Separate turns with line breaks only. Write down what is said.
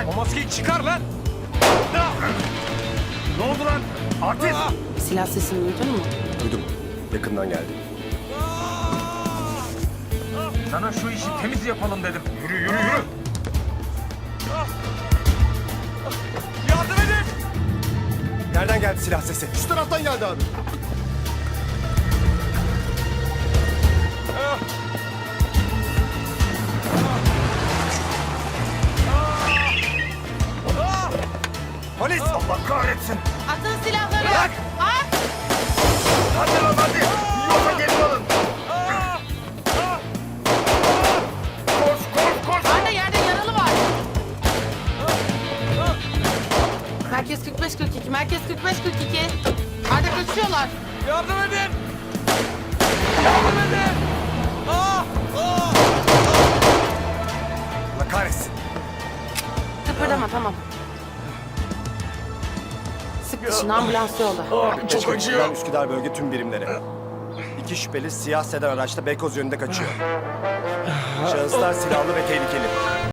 O maskeyi çıkar lan. Ne oldu lan? Artist.
Silah sesini duydun mu?
Duydum. Yakından geldi.
Sana şu işi temiz yapalım dedim. Yürü yürü yürü. Yardım edin.
Nereden geldi silah sesi?
Şu taraftan geldi abi.
Polis!
Allah kahretsin.
Atın silahları!
Bırak!
At!
Hadi lan hadi. Yoksa gelin alın. Koş koş koş.
Arda yerde yaralı var. Merkez 45-42, merkez 45-42. Arda kaçıyorlar.
Yardım edin. Yardım edin.
Allah kahretsin.
Kıpırdama tamam. Sık dişini ambulans yolla.
Çok acıyor.
Üsküdar bölge tüm birimlere. 2 şüpheli siyah sedan araçla Beykoz yönünde kaçıyor. Şahıslar silahlı ve tehlikeli.